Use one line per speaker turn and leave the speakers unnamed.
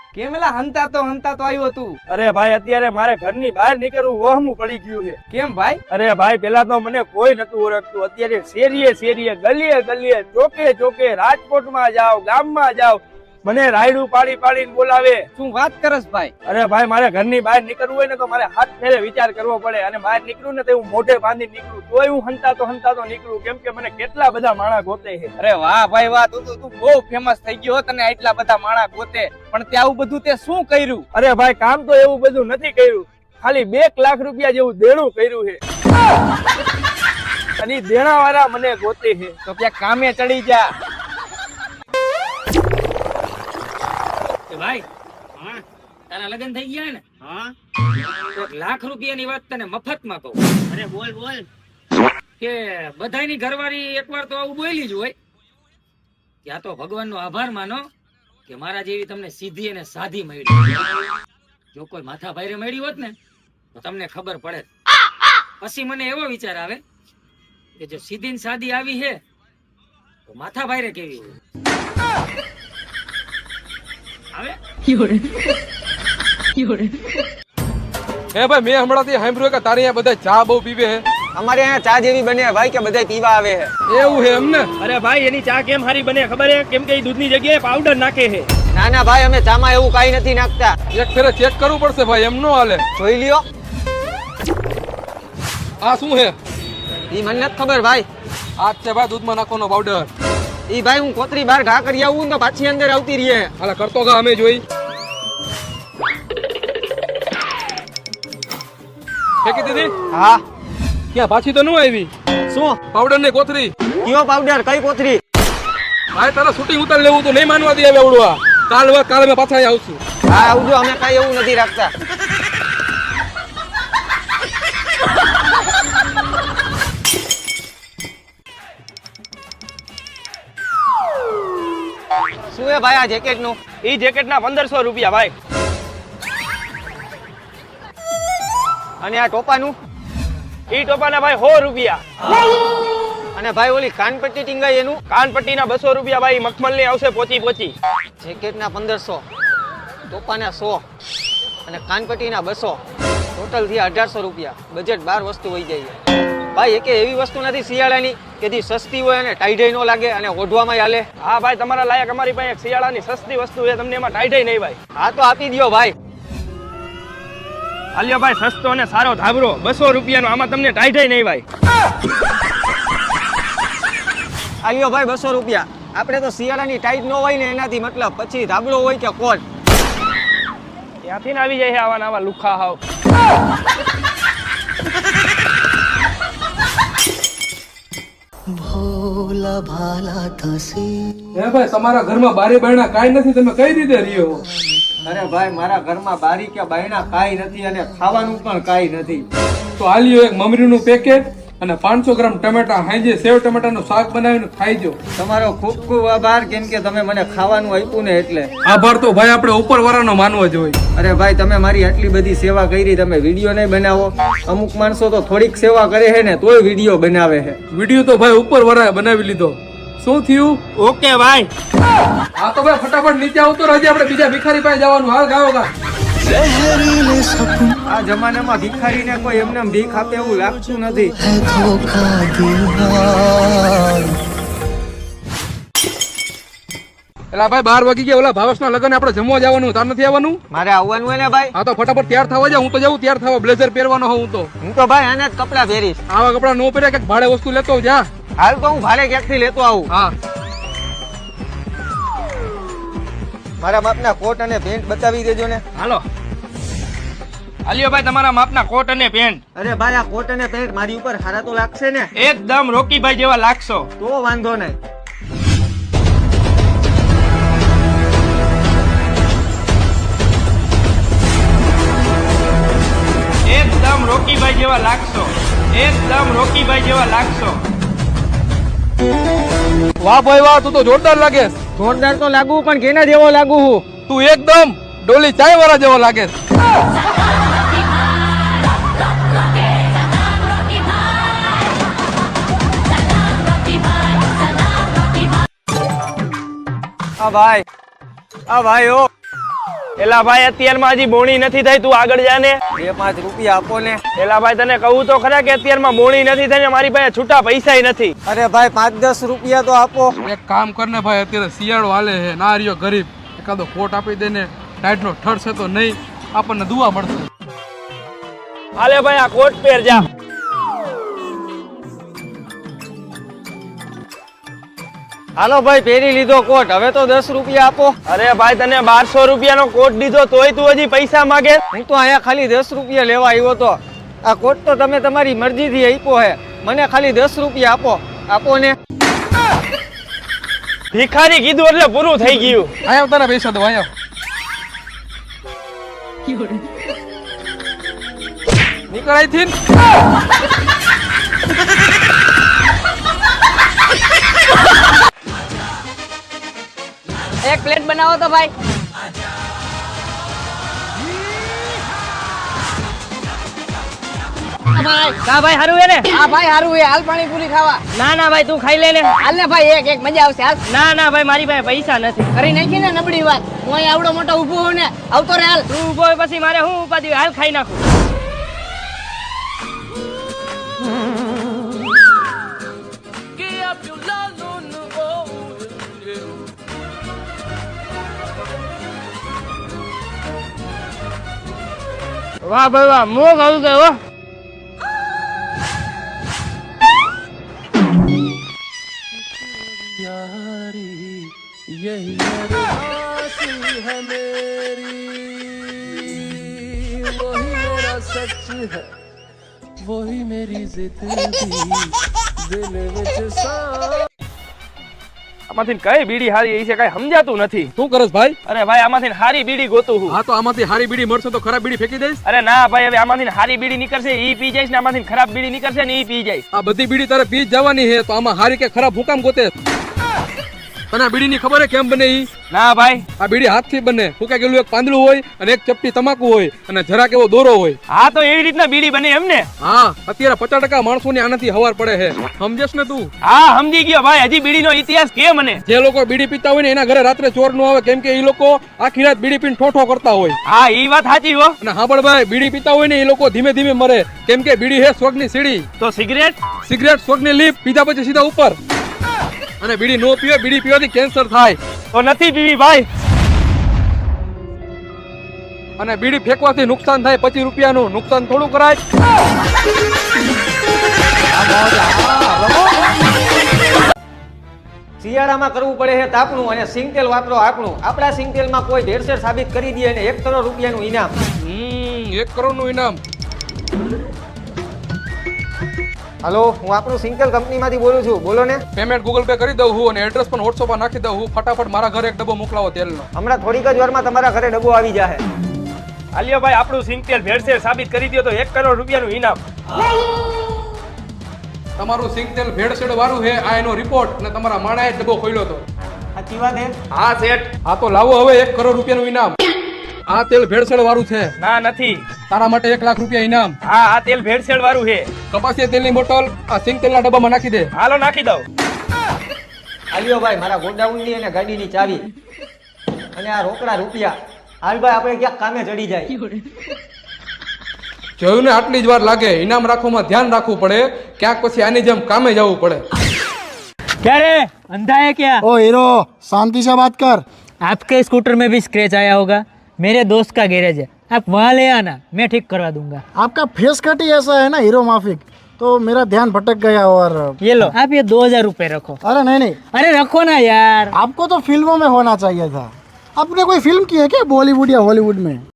કેમેલા હંતા તો આવ્યો તું.
અરે ભાઈ અત્યારે મારે ઘરની બહાર નીકળવું વહમું પડી ગયું છે.
કેમ ભાઈ?
અરે ભાઈ પેલા તો મને કોઈ નતું ઓળખતું, અત્યારે શેરીએ ગલીએ ચોકે ચોકે રાજકોટમાં જાવ, ગામમાં જાવ, મને રાયડું પાડીને બોલાવે.
શું વાત કરસ ભાઈ?
અરે ભાઈ મારે ઘરની બહાર નીકળવું હોય ને તો મારે હાથ ફેરે વિચાર કરવો પડે, અને બહાર નીકળું ને તો હું મોઢે બાંધી નીકળું, તોય હું હંતાતો નીકળું, કેમ કે મને કેટલા બધા માણા ગોતે છે.
અરે વાહ ભાઈ વાહ, તું બહુ ફેમસ થઈ ગયો તને આટલા બધા માણા ગોતે. પણ તે આવું બધું તે શું કર્યું?
અરે ભાઈ કામ તો એવું બધું નથી કર્યું, ખાલી 2 લાખ રૂપિયા જેવું દેણું કર્યું છે, અને દેણા વાળા મને ગોતે છે.
તો ત્યાં કામે ચડી જા.
ભાઈ હા તારા લગ્ન થઈ ગયા ને? હા. 1 લાખ રૂપિયાની વાત તને મફતમાં કહું. અરે બોલ કે બધાની ઘરવાળી એકવાર તો આવું બોલી જ હોય. ત્યાં તો ભગવાનનો આભાર માનો કે મારા જેવી તમને સીધી અને સાધી મળી. જો કોઈ માથા ભાઈરે મળી હોત ને તો તમને ખબર પડે. પછી મને એવો વિચાર આવે કે જો સીધી ને સાદી આવી છે તો માથા ભાઈરે કેવી હોય.
હે ભાઈ મેં હમણાંથી સાંભળ્યું કે તારે અહીંયા બધા ચા બહુ પીવે હે.
અમારે અહીંયા ચા જેવી બને ભાઈ કે બધા પીવા આવે છે.
એવું હે એમને?
અરે ભાઈ એની ચા કેમ હારી બને ખબર હે? કેમ કે એ દૂધની જગ્યાએ પાવડર નાખે છે.
ના ભાઈ, અમે ચામાં એવું કઈ નથી નાખતા.
એક ફેરે ચેક કરવું પડશે ભાઈ, એમ નો હાલે.
જોઈ લ્યો.
આ શું હે?
ઈ મને નથી ખબર ભાઈ.
આ છે ભાઈ દૂધમાં નાખવાનો પાવડર.
ઈ ભાઈ હું કોતરી બહાર ઘા કરી આવું તો પાછી અંદર આવતી રહીએ.
હાલે કરતો ગા અમે જોઈ. ફેંકી દીધી?
હા.
ક્યાં પાછી તો ન આવી?
શું
પાવડર ને કોથરી?
કયો પાવડર? કઈ કોતરી?
ભાઈ તારે શૂટિંગ ઉતાર લેવું તો નહીં માનવા દે હવે આવડવા. કાલ મેં પાછા અહીં આવશું.
હા આવજો, અમે કઈ એવું નથી રાખતા. શું હે ભાઈ આ જેકેટ નું?
ઈ જેકેટ ના 1500 રૂપિયા ભાઈ.
અને આ ટોપાનું?
ઈ ટોપાના ભાઈ 100 રૂપિયા.
અને ભાઈ ઓલી કાનપટ્ટી ટીંગાઈ એનું?
કાનપટ્ટીના 200 રૂપિયા ભાઈ. મખમલની આવશે પોચી.
જેકેટના 1500, ટોપાના 100 અને કાનપટ્ટીના 200, ટોટલ થી 1800 રૂપિયા. બજેટ 12 વસ્તુ હોઈ જાય ભાઈ. એકે એવી વસ્તુ નથી શિયાળાની કે જે સસ્તી હોય અને ટાઈડાઈ નો લાગે અને ઓઢવામાં હાલે.
હા ભાઈ તમારા લાયક અમારી પાસે એક શિયાળાની સસ્તી વસ્તુ છે, તમને એમાં ટાઈડાઈ નહીં ભાઈ.
હા તો આપી દો ભાઈ.
આલ્યો ભાઈ સસ્તો અને સારો ધાબરો 200 રૂપિયાનો, આમાં તમને ટાઈડાઈ નહીં ભાઈ.
આલ્યો ભાઈ 200 રૂપિયા. આપણે તો શિયાળાની ટાઈટ ન હોય ને એનાથી મતલબ, પછી ધાબળો હોય કે કોટ.
ત્યાંથી ને આવી જાય છે આવા લુખા હાવ.
ભોલા ભાલા થશે.
હે ભાઈ તમારા ઘરમાં બારી બારણા કાઈ નથી, તમે કઈ રીતે રહ્યો?
અરે ભાઈ મારા ઘરમાં બારી કે બાયણા કાઈ નથી અને ખાવાનું પણ કાઈ નથી.
તો આલ્યો એક મમરીનું પેકેટ અને 500 ગ્રામ ટમેટા, હાંજે સેવ ટમેટાનું શાક બનાવીને ખાઈજો.
તમારો ખૂબ ખૂબ આભાર, કેમ કે તમે મને ખાવાનું આપ્યું ને એટલે.
આભાર તો ભાઈ આપણે ઉપરવાળાનો માનવો જોઈએ.
અરે ભાઈ તમે મારી આટલી બધી સેવા કરી, તમે વિડીયો નહીં બનાવો? અમુક માણસો તો થોડીક સેવા કરે છે ને તોય વિડીયો બનાવે છે.
વિડીયો તો ભાઈ ઉપરવાળાએ બનાવી લીધો. શું થયું?
ઓકે ભાઈ.
હા તો ભાઈ ફટાફટ નીચે આવતો રહેજે, આપણે બીજા ભિખારી પાસે જવાનું. હાલ ગાઓ ગા.
આ જમાનામાં ભિખારીને કોઈ એમને ભીખ આપે એવું લાગતું નથી.
એલા ભાઈ 12 વાગી ગયા, ઓલા ભાવેશના લગન આપણે જમવા જવાનું. તાર નથી આવવાનું?
મારે આવવાનું હોય ને ભાઈ.
હા તો ફટાફટ તૈયાર થવા જા. હું તો જાઉં તૈયાર થવા, બ્લેઝર પહેરવાનો હું તો.
હું તો ભાઈ આના જ કપડા પહેરીશ.
આવા કપડા નો પહેરે કે ભાડે વસ્તુ લેતો જા.
હાલ તો હું ભાડે ક્યાંકથી લેતો આવું.
હા
મારા બાપના કોટ અને પેન્ટ બતાવી દેજો ને.
હાલો આલ્યો ભાઈ તમારા માપના કોટ અને પેન્ટ.
અરે ભાઈ આ કોટ અને પેન્ટ મારી ઉપર સારા તો લાગશે ને?
એકદમ રોકીભાઈ જેવા લાગશો.
તો વાંધો નહીં.
એકદમ રોકીભાઈ જેવા લાગશો. એકદમ રોકીભાઈ જેવા લાગશો.
વાહ ભાઈ વાહ, તું તો જોરદાર લાગે.
જોરદાર તો લાગુ પણ કેના જેવો લાગુ હું?
તું એકદમ ડોલી ચાય વાળા જેવો લાગે.
આ ભાઈ ઓ
એલા ભાઈ અત્યારમાં હજી બોણી નથી થઈ, તું આગળ જા ને.
2-5 રૂપિયા આપો ને.
એલા ભાઈ તને કહું તો ખરા કે અત્યારમાં બોણી નથી થઈ ને મારી પાસે છૂટા પૈસાય નથી.
અરે ભાઈ 5-10 રૂપિયા તો આપો.
એક કામ કરને ભાઈ, અત્યારે શિયાળો હાલે છે, ના રહ્યો ગરીબ, એકાદો કોટ આપી દે ને, ટાઈટનો ઠરશે તો નહીં, આપણને દુઆ મળશે.
હાલે ભાઈ આ કોટ પહેર જા.
હાલો ભાઈ પહેરી લીધો કોટ, હવે તો 10 રૂપિયા આપો.
અરે ભાઈ તને 1200 રૂપિયાનો કોટ દીધો તોય તું હજી પૈસા માંગે.
હું તો અહીંયા ખાલી 10 રૂપિયા લેવા આવ્યો તો. આ કોટ તો તમે તમારી મરજીથી આપ્યો હે, મને ખાલી 10 રૂપિયા આપો. આપો ને.
ભિખારી કીધું એટલે પૂરું થઈ ગયું.
અહીંયા તારા પૈસા દો, અહીંયા નીકળ અહીંથી.
એક પ્લેટ બનાવો તો ભાઈ.
કા ભાઈ હારું હે ને?
હા ભાઈ હારું હે, હાલ પાણીપુરી ખાવા.
ના ના ભાઈ તું ખાઈ લે ને.
હાલ ને ભાઈ એક મજા આવશે. હાલ.
ના ના ભાઈ મારી પાસે પૈસા નથી.
કરી નાખી ને નબળી વાત. હું અહીં આવડો મોટો ઊભો હું ને આવતો રે. હાલ.
તું ઉભો હોય પછી મારે શું ઉપાધિ હોય? હાલ ખાઈ નાખું. વાહ ભાઈ વાહ, મોગ આવી ગયો હો.
આમાંથી કઈ બીડી હારી એ છે કઈ સમજાતું નથી.
શું કરસ ભાઈ?
અરે ભાઈ આમાંથી હારી બીડી ગોતું હું.
હા તો આમાંથી હારી બીડી મળશે તો ખરાબ બીડી ફેંકી દઈશ.
અરે ના ભાઈ હવે આમાંથી હારી બીડી નીકળશે ઈ પી જઈશ ને આમાંથી ખરાબ બીડી નીકળશે ને ઈ પી જઈશ.
આ બધી બીડી તારે પી જ જવાની છે, તો આમાં હારી કે ખરાબ હુકામ ગોતે? તને આ બીડીની ખબર હે કેમ બને ઈ?
ના ભાઈ.
આ બીડી હાથથી બને. ફૂંકાઈ ગયેલું એક પાંદડું હોય અને એક ચપટી તમાકુ હોય અને જરાક એવો દોરો હોય.
હા તો એવી રીતના બીડી બને એમ ને?
હા અત્યારે 50% માણસોની આનાથી હવાર પડે છે, સમજેશ ને તું?
હા સમજી ગયો ભાઈ. હજી બીડીનો ઇતિહાસ કે મને?
જે લોકો બીડી પીતા હોય ને એના ઘરે રાત્રે ચોર નો આવે, કેમ કે એ લોકો આખી રાત બીડી પીને ઠોઠો કરતા હોય.
હા ઈ વાત સાચી હો.
અને હાંભળ ભાઈ, બીડી પીતા હોય ને એ લોકો ધીમે ધીમે મરે, કેમ કે બીડી હે સ્વર્ગની સીડી.
તો સિગરેટ?
સિગરેટ સ્વર્ગની લીપ, પીધા પછી સીધા ઉપર. અને બીડી નો પીવે, બીડી પીવાથી કેન્સર થાય.
તો નથી પીવી ભાઈ.
અને બીડી ફેંકવાથી નુકસાન થાય 25 રૂપિયાનું. નુકસાન થોડું કરાય.
શિયાળામાં કરવું પડે છે તાપણું અને સિંગતેલ વાપરો આપણું. આપણા સિંગતેલમાં કોઈ ભેળસેળ સાબિત કરી દે અને 1 કરોડ રૂપિયાનું ઇનામ.
1 કરોડનું ઇનામ.
હાલો, હું આપણું સિંગતેલ કંપનીમાંથી બોલું છું. બોલો ને.
પેમેન્ટ ગૂગલ પે કરી દઉં હું અને એડ્રેસ પણ WhatsApp પર નાખી દઉં હું. ફટાફટ મારા ઘરે એક ડબ્બો મોકલાવો તેલનો.
હમણાં થોડીક જ વારમાં તમારા ઘરે ડબ્બો આવી જશે.
આલિયો ભાઈ આપણું સિંગતેલ ભેળસેળ સાબિત કરી દો તો 1 કરોડ રૂપિયાનું ઇનામ.
તમારું સિંગતેલ ભેળસેળ વાળું છે, આ એનો રિપોર્ટ, અને તમારા માણાએ ડબ્બો ખોલ્યો હતો.
સાચી વાત હે?
હા સેટ.
હા તો લાવો હવે 1 કરોડ રૂપિયાનું ઇનામ. આ તેલ ભેળસેળ વાળું છે.
ના નથી.
તારા માટે 1 લાખ રૂપિયા ઇનામ.
હા આ તેલ ભેળસેળ વાળું છે.
કપાસિયા તેલની બોટલ આ સિંગતેલના ડબ્બામાં નાખી દે.
હાલો નાખી દઉં.
આલિયો ભાઈ મારા ગોડાઉનની અને ગાડીની ચાવી અને આ રોકડા રૂપિયા. હાલ ભાઈ આપણે ક્યાંક કામે ચડી જાય.
જોયું ને, આટલી જ વાર લાગે. ઇનામ રાખવામાં ધ્યાન રાખવું પડે, ક્યાંક પછી આની જેમ કામે જવું પડે.
क्या रे अंधा है क्या?
ओ हीरो शांति से बात कर.
आपके स्कूटर में भी स्क्रैच आया होगा. मेरे दोस्त का गैरेज है, आप वहाँ ले आना, मैं ठीक करवा दूंगा.
आपका फेस कट ही ऐसा है ना हीरो माफिक, तो मेरा ध्यान भटक गया. और
ये लो आप ये 2000 रुपए रखो.
अरे नहीं नहीं,
अरे रखो ना यार.
आपको तो फिल्मों में होना चाहिए था. आपने कोई फिल्म की है क्या बॉलीवुड या हॉलीवुड में?